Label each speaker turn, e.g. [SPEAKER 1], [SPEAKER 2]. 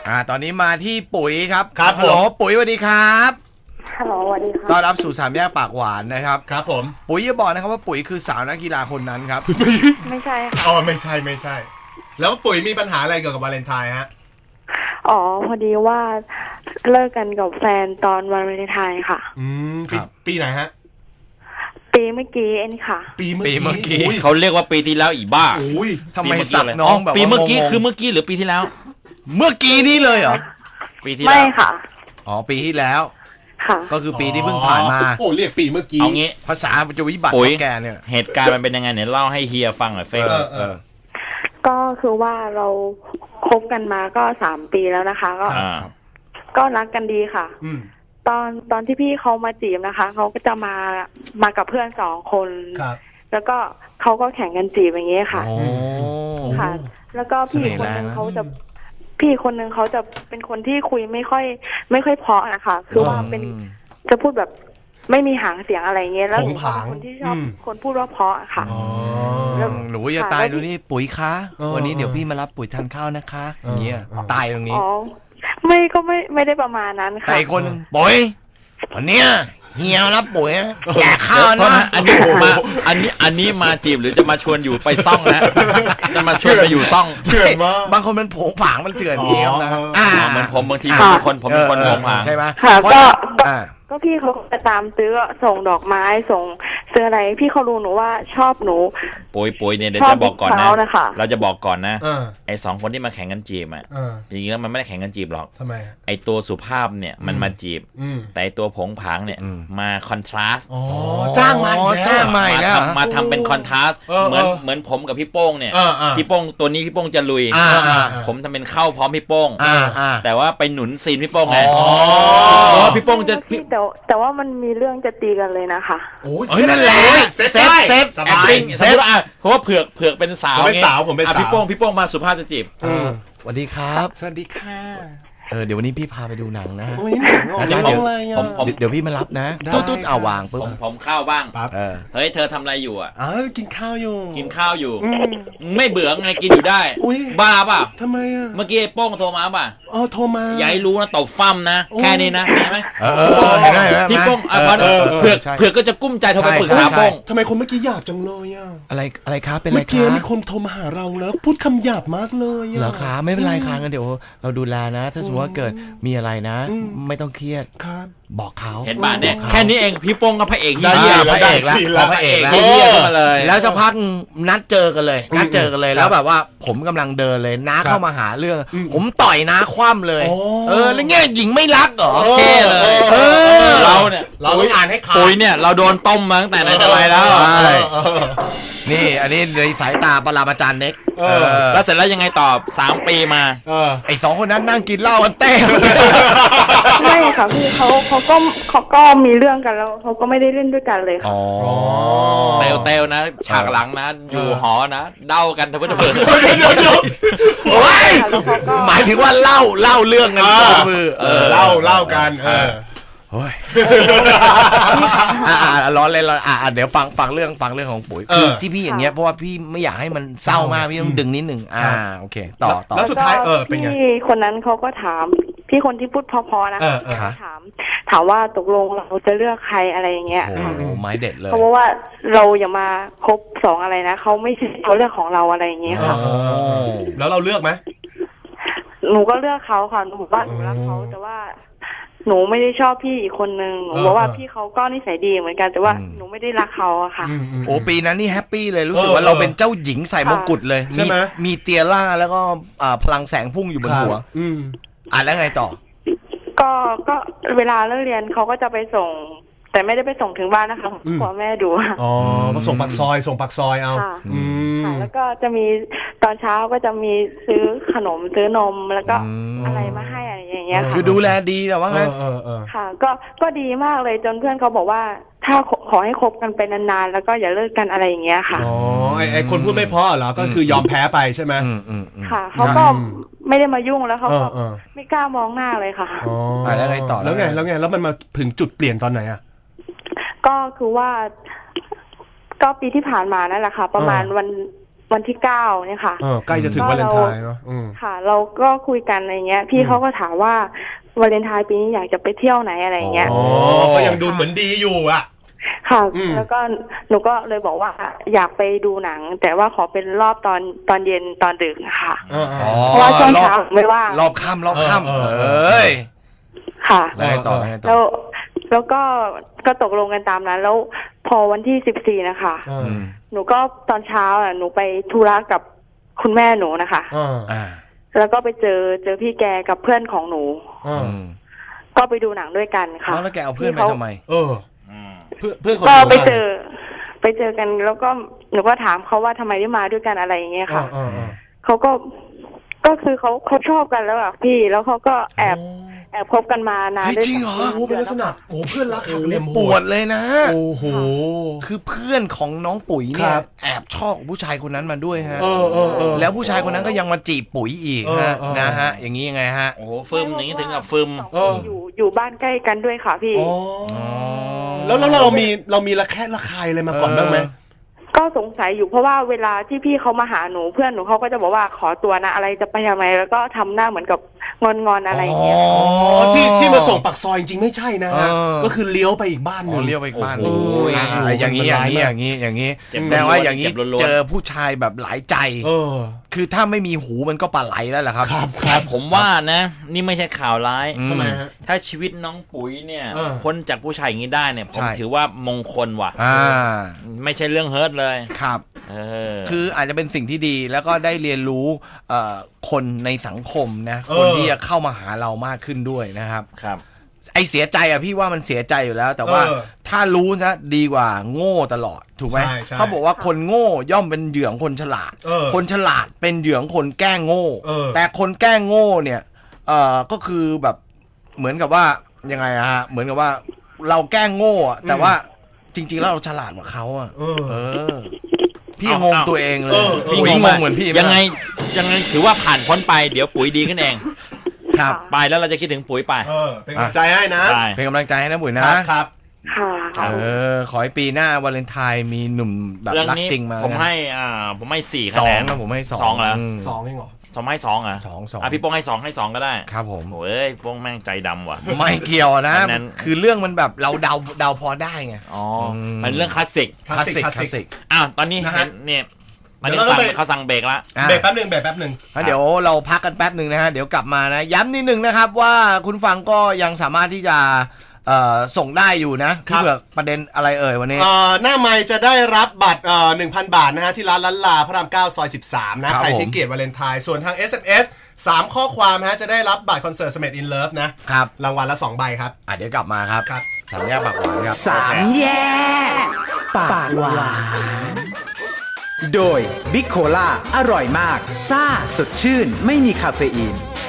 [SPEAKER 1] ตอนนี้มาที่ปุ๋ยครับ
[SPEAKER 2] ครับ
[SPEAKER 1] ฮัลโหลปุ๋ยสวัสดีครับ
[SPEAKER 3] ฮัลโหลสวัสดีครับ
[SPEAKER 1] ต้อนรับสู่สามแยกปากหวานนะครับ
[SPEAKER 2] ครับผม
[SPEAKER 1] ปุ๋ยจะบอกนะครับว่าปุ๋ยคือสาวนักกีฬาคนนั้นครับ
[SPEAKER 3] ไม่ใช่ค่ะ
[SPEAKER 2] อ๋อไม่ใช่แล้วปุ๋ยมีปัญหาอะไรเกี่ยวกับวาเลนไทน์ฮะ
[SPEAKER 3] อ๋อพอดีว่าเลิกกันกับแฟนตอนวันวาเลนไทน์ค่ะ
[SPEAKER 2] ปีไหนฮะ
[SPEAKER 3] ปีเมื่อกี้เองค่ะ
[SPEAKER 1] ปีเมื่อกี้
[SPEAKER 4] เขาเรียกว่าปีที่แล้วอีบ้า
[SPEAKER 1] ทำไมสับน้องแบบ
[SPEAKER 4] ปีเมื่อกี้คือเมื่อกี้หรือปีที่แล้ว
[SPEAKER 1] เมื่อกี้นี่เลยเหรอ
[SPEAKER 4] ปีที่แล้ว
[SPEAKER 3] ไม่ค่ะ
[SPEAKER 1] อ๋อปีที่แล้ว
[SPEAKER 3] ค่ะ
[SPEAKER 1] ก็คือปีที่เพิ่งผ่านมา
[SPEAKER 2] โอ้เรียกปีเมื่อกี้
[SPEAKER 4] เอางี้
[SPEAKER 1] ภาษาจะวิบัติของแกเนี่ย
[SPEAKER 4] เหตุการณ์มันเป็นยังไงเนี่ยเล่าให้เฮียฟังหน่อยเฟ้
[SPEAKER 3] ก็คือว่าเราคบกันมาก็3 ปีแล้วนะคะก็รักกันดีค่ะตอนที่พี่เขามาจีบนะคะเขาก็จะมากับเพื่อน2 คนแล้วก็เขาก็แข่งกันจีบอย่างเงี้ยค่ะค่ะแล้วก็พี่คนนึงเขาจะเป็นคนที่คุยไม่ค่อยเพราะนะคะคือว่าเป็นจะพูดแบบไม่มีหางเสียงอะไรเงี้ยแล้วหนูเป็นคนที่ชอบคนพูดว่าเพราะค่ะ
[SPEAKER 1] หนูอย่าตายดูนี่ปุ๋ยคะวันนี้เดี๋ยวพี่มารับปุ๋ยทานข้าวนะคะอย่างเงี้ยตายตรงนี้
[SPEAKER 3] ก็ไม่ได้ประมาณนั้นค่ะ
[SPEAKER 1] แต่คนปุ๋ยวันเนี้ยเฮียรับปุ๋ยแจกข้าวนะ
[SPEAKER 4] อันนี้มาจีบหรือจะมาชวนอยู่ไปซ่องนะจะมาชวนไปอยู่ซ่อง
[SPEAKER 2] เถื่อนมาก
[SPEAKER 1] บางคนมันผงผางมันเถื่อนเงี้ยนะ
[SPEAKER 4] เหมือนผมบางทีผมเป็นคนผงผาง
[SPEAKER 1] ใช่ไหม
[SPEAKER 3] ค่ะก็พี่เขาจะตามซื้อส่งดอกไม้ส่งซื้ออะไรพี่เขารู้หนูว่าชอบหนู
[SPEAKER 4] ปุ๋ยเนี่ยเดี๋ยวจะบอกก่อนนะเราจะบอกก่อนนะไอ้2 คนที่มาแข่งกันจีบอ่ะจริงๆแล้วมันไม่ได้แข่งกันจีบหรอก
[SPEAKER 2] ทำไม
[SPEAKER 4] ไอ้ตัวสุภาพเนี่ยมันมาจีบแต่ไอ้ตัวผงผางเนี่ยมาคอนทราสต์
[SPEAKER 1] จ้างมา
[SPEAKER 4] มาทำเป็นคอนทราสต์เหมือนผมกับพี่โป้งเนี่ยพี่โป้งตัวนี้พี่โป้งจะลุยผมทำเป็นเข้าพร้อมพี่โป้งแต่ว่าไปหนุนซีนพี่โป้งไงพี่โป้งจะ
[SPEAKER 3] แต่ว่ามันมีเรื่องจะตีกันเลยนะคะ
[SPEAKER 1] โอ้ยนั่นแหละเซต
[SPEAKER 4] สบายเพราะว่าเผือกเป็นสาว
[SPEAKER 2] ผมเป็นสาว
[SPEAKER 4] พี่โป้งมาสุภาพจะจีบ
[SPEAKER 1] สวัสดีครับ
[SPEAKER 2] สวัสดีค่ะ
[SPEAKER 1] เดี๋ยววันนี้พี่พาไปดูหนังนะ
[SPEAKER 2] อาจารย์
[SPEAKER 1] เดี๋ยวพี่มารับนะตุ๊ดเอาวางปุ๊บ
[SPEAKER 4] ผมเข้าบ้างเฮ้ยเธอทำอะไรอยู่อ่ะ
[SPEAKER 2] กินข้าวอยู่
[SPEAKER 4] ไม่เบื่อไงกินอยู่ได้บ้าป่ะ
[SPEAKER 2] ทำไมอ่ะ
[SPEAKER 4] เมื่อกี้โป้งโทรมาป่ะ
[SPEAKER 2] โทรมา
[SPEAKER 4] อย่าให้รู้นะตบฟั่มนะแค่นี้นะเห็นไหมพี่โป้งเผือกก็จะกุ้มใจโทรไปปรึกษาโป้ง
[SPEAKER 2] ทำไมคนเมื่อกี้หยาบจังเลยอ่ะ
[SPEAKER 1] อะไรครับเป็นอะไรครับ
[SPEAKER 2] เมื่อกี้มีคนโทรมาหาเราแล้วพูดคำหยาบมากเลย
[SPEAKER 1] เหรอครับไม่เป็นไรครับงั้นเดี๋ยวเราดูแลนะถ้าสมมติว่าเกิดมีอะไรนะไม่ต้องเครียดบอกเขา
[SPEAKER 4] เห็นป่ะเนี่ยแค่นี้เองพี่โป้งกับพระเอก
[SPEAKER 1] พระเอกแล้วแล้วสักพักนัดเจอกันเลยแล้วแบบว่าผมกำลังเดินเลยน้าเข้ามาหาเรื่องผมต่อยน้าคว่ำเลยแล้วเงี้ยหญิงไม่รักเหรอ
[SPEAKER 4] เท่เลยเราเนี่ย
[SPEAKER 2] เราต้องอ่านให้ขาด
[SPEAKER 4] ปุ๋ยเนี่ยเราโดนต้มมาตั้งแต่ไหนแต่ไรแล้ว
[SPEAKER 1] นี่อันนี้ในสายตาปรมาจารย์เน็ก
[SPEAKER 4] แล้วเสร็จแล้วยังไงต่อ3 ปีมา
[SPEAKER 1] ไอ้2 คนนั้นนั่งกินเหล้ากันเต้
[SPEAKER 3] ไม่ค่ะพี่เขาก็มีเรื่องกันแล้วเขาก็ไม่ได้เล่นด้วยกันเลยค่ะ
[SPEAKER 4] เตลนะฉากหลังนะอยู่หอนะเด้ากันทั้งเพื่อน
[SPEAKER 1] หมายถึงว่าเล่าเรื่องกันมือ
[SPEAKER 2] เล่ากัน
[SPEAKER 1] โอ้ยร้อนเลยเดี๋ยวฟังเรื่องของปุ๋ยคือที่พี่อย่างเงี้ยเพราะว่าพี่ไม่อยากให้มันเศร้ามากพี่ต้องดึงนิดนึงโอเคต่อ
[SPEAKER 2] แล้วสุดท้ายเป็นไง
[SPEAKER 3] พี่คนนั้นเขาก็ถามพี่คนที่พูดพอๆนะถามว่าตกลงเราจะเลือกใครอะไรอย่างเงี้ย
[SPEAKER 1] โอ้ไม้เด็ดเลย
[SPEAKER 3] เพราะว่าเราอย่ามาคบ2อะไรนะเขาไม่ใช่เขาเลือกของเราอะไรอย่างเงี้ยค่ะ
[SPEAKER 2] แล้วเราเลือกไหม
[SPEAKER 3] หนูก็เลือกเขาค่ะหนูบอกว่าหนูรักเขาแต่ว่าหนูไม่ได้ชอบพี่อีกคนนึงหนูบอกว่าพี่เขาก็นิสัยดีเหมือนกันแต่ว่าหนูไม่ได้รักเขาอะค่ะ
[SPEAKER 1] โอ้ปีนั้นนี่แฮปปี้เลยรู้สึกว่าเราเป็นเจ้าหญิงใส่มงกุฎเลย
[SPEAKER 2] ใช่ไหม
[SPEAKER 1] มีเตียร่าแล้วก็พลังแสงพุ่งอยู่บนหัวแล้วไงต่อ
[SPEAKER 3] ก็เวลาเลิกเรียนเขาก็จะไปส่งแต่ไม่ได้ไปส่งถึงบ้านนะคะพ่อแม่ดู
[SPEAKER 2] ก็ส่งปากซอยเอา
[SPEAKER 3] ค่ะแล้วก็จะมีตอนเช้าก็จะมีซื้อขนมซื้อนมแล้วก็อะไรมาให้อะไรอย่างเงี้ยค่ะ
[SPEAKER 1] คือดูแลดีแต่ว่างั้น
[SPEAKER 3] ค่ะก็ดีมากเลยจนเพื่อนเขาบอกว่าถ้าขอให้คบกันไปนานๆแล้วก็อย่าเลิกกันอะไรอย่างเงี้ยค่ะ
[SPEAKER 2] ไอคนพูดไม่เพราะเหรอก็คือยอมแพ้ไปใช่ไหม
[SPEAKER 3] ค่ะเขาก็ไม่ได้มายุ่งแล้วเขาก็ไม่กล้ามองหน้าเลยค่ะ
[SPEAKER 1] แล้วไงต่อ
[SPEAKER 2] แล้วไงแล้วมันมาถึงจุดเปลี่ยนตอนไหนอ่ะ
[SPEAKER 3] ก็คือว่าก็ปีที่ผ่านมานั่นแหละค่ะประมาณวันวันที่9เนี่ยค่ะ
[SPEAKER 2] ใกล้จะถึงวาเลนไทน์เนาะ
[SPEAKER 3] ค่ะ เราก็คุยกันอะไรเงี้ยพี่เขาก็ถามว่าวาเลนไทน์ปีนี้อยากจะไปเที่ยวไหนอะไรเงี้ย
[SPEAKER 2] ก็ยังดูเหมือนดีอยู่อ่ะ
[SPEAKER 3] ค่ะแล้วก็หนูก็เลยบอกว่าอยากไปดูหนังแต่ว่าขอเป็นรอบตอนเย็นตอนดึกค่ะเพราะว่าช่วงเช้าไม่ว่าง
[SPEAKER 1] รอบค่ำเอ้ย
[SPEAKER 3] ค่ะ
[SPEAKER 1] แล้ว
[SPEAKER 3] ก็ตกลงกันตามนั้นแล้วพอวันที่14นะคะหนูก็ตอนเช้าหนูไปธุระกับคุณแม่หนูนะคะแล้วก็ไปเจอพี่แกกับเพื่อนของหนูก็ไปดูหนังด้วยกันค่ะ
[SPEAKER 1] แล้วแกเอาเพื่อนไปทำไม
[SPEAKER 2] เพื่อน
[SPEAKER 3] ก็ไปเจอกันแล้วก็หนูก็ถามเขาว่าทำไมได้มาด้วยกันอะไรอย่างเงี้ยค่ะเขาก็คือเขาชอบกันแล้วอ่ะพี่แล้วเขาก็แอบคบกันมานาน
[SPEAKER 1] จริงเหรอ
[SPEAKER 2] เป็นลักษณะเพื่อนรักหักเหลี่ยม
[SPEAKER 1] ปวดเลยนะโอ้โหคือเพื่อนของน้องปุ๋ยเนี่ยแอบชอบผู้ชายคนนั้นมาด้วยฮะแล้วผู้ชายคนนั้นก็ยังมาจีบปุ๋ยอีกฮะนะฮะอย่างนี้ยังไงฮะ
[SPEAKER 4] โอ้โหฟึมอย่างนี้ถึงกับฟึม
[SPEAKER 3] อยู่บ้านใกล้กันด้วยค่ะพี่
[SPEAKER 2] แล้วเรามีระแคะระคายอะไรมาก่อนบ้างไหม
[SPEAKER 3] ก็สงสัยอยู่เพราะว่าเวลาที่พี่เขามาหาหนูเพื่อนหนูเขาก็จะบอกว่าขอตัวนะอะไรจะไปทำไมแล้วก็ทำหน้าเหมือนกับงอนอะไรอย่างเงี้ย
[SPEAKER 2] ที่มาส่งปากซอยจริงไม่ใช่นะฮะก็คือเลี้ยวไปอีกบ้านนึง
[SPEAKER 1] เลี้ยวไปอีกบ้านอย่างนี้แสดงว่าอย่างนี้เจอผู้ชายแบบหลายใจคือถ้าไม่มีหูมันก็ปลาไหลแล้วแหละครับ
[SPEAKER 4] ครับผมว่านะนี่ไม่ใช่ข่าวร้ายทำไมฮะถ้าชีวิตน้องปุ๋ยเนี่ยพ้นจากผู้ชายอย่างนี้ได้เนี่ยผมถือว่ามงคลว่ะไม่ใช่เรื่องเฮิร์ตเลย
[SPEAKER 1] ครับคืออาจจะเป็นสิ่งที่ดีแล้วก็ได้เรียนรู้คนในสังคมนะคนที่จะเข้ามาหาเรามากขึ้นด้วยนะครับไอเสียใจอะพี่ว่ามันเสียใจอยู่แล้วแต่ว่าถ้ารู้นะดีกว่าโง่ตลอดถูกไหมเขาบอกว่าคนโง่ย่อมเป็นเหยื่อของคนฉลาดคนฉลาดเป็นเหยื่อของคนแกล้งโง่แต่คนแกล้งโง่เนี่ยก็คือแบบเหมือนกับว่ายังไงฮะเหมือนกับว่าเราแกล้งโง่แต่ว่าจริงๆแล้วเราฉลาดกว่าเขาอะพี่งงตัวเองเลย
[SPEAKER 4] พี่งงเหมือนพี่ยังไงถือว่าผ่านพ้นไปเดี๋ยวปุ๋ยดีขึ้นเองครับไปแล้วเราจะคิดถึงปุ๋ยไป
[SPEAKER 2] เป็นกำลังใจให้นะ
[SPEAKER 1] เป็นกำลังใจให้นะปุ๋ยนะครับขอให้ปีหน้าวาเลนไทน์มีหนุ่มแบบรักจริงมา
[SPEAKER 4] ผมให้4 คะแนน
[SPEAKER 1] นะผมให้2
[SPEAKER 4] แล้ว
[SPEAKER 2] 2เองเหรอ
[SPEAKER 4] 2ให้22พี่โป้งให้2ก็ได้
[SPEAKER 1] ครับผม
[SPEAKER 4] โอ้ยโป้งแม่งใจดำว่ะ
[SPEAKER 1] ไม่เกี่ยวนะคือเรื่องมันแบบเราเดาพอได้ไง
[SPEAKER 4] มันเรื่องคลาสสิกตอนนี้เนี่ยตอนนี้เขาสั่งเบรกแล้ว
[SPEAKER 2] เบรกแป๊บนึง
[SPEAKER 1] เดี๋ยวเราพักกันแป๊บนึงนะฮะเดี๋ยวกลับมานะย้ำนิดนึงนะครับว่าคุณฟังก็ยังสามารถที่จะส่งได้อยู่นะที่เผื่อประเด็นอะไรวันนี้
[SPEAKER 2] หน้าไมค์จะได้รับบัตร1,000 บาทนะฮะที่ร้านล้านลาพระราม9ซอย13นะใครที่เกลียดวาเลนไทน์ส่วนทาง SMS 3 ข้อความฮะจะได้รับบัตรคอนเสิร์ต Smash in Love นะครับรางวัลละ2 ใบครับ
[SPEAKER 1] เดี๋ยวกลับมาครับ3 แยกปากหวานครับ
[SPEAKER 5] 3 แยกปากหวานโดยบิ๊กโคล่าอร่อยมากซ่าสดชื่นไม่มีคาเฟอีน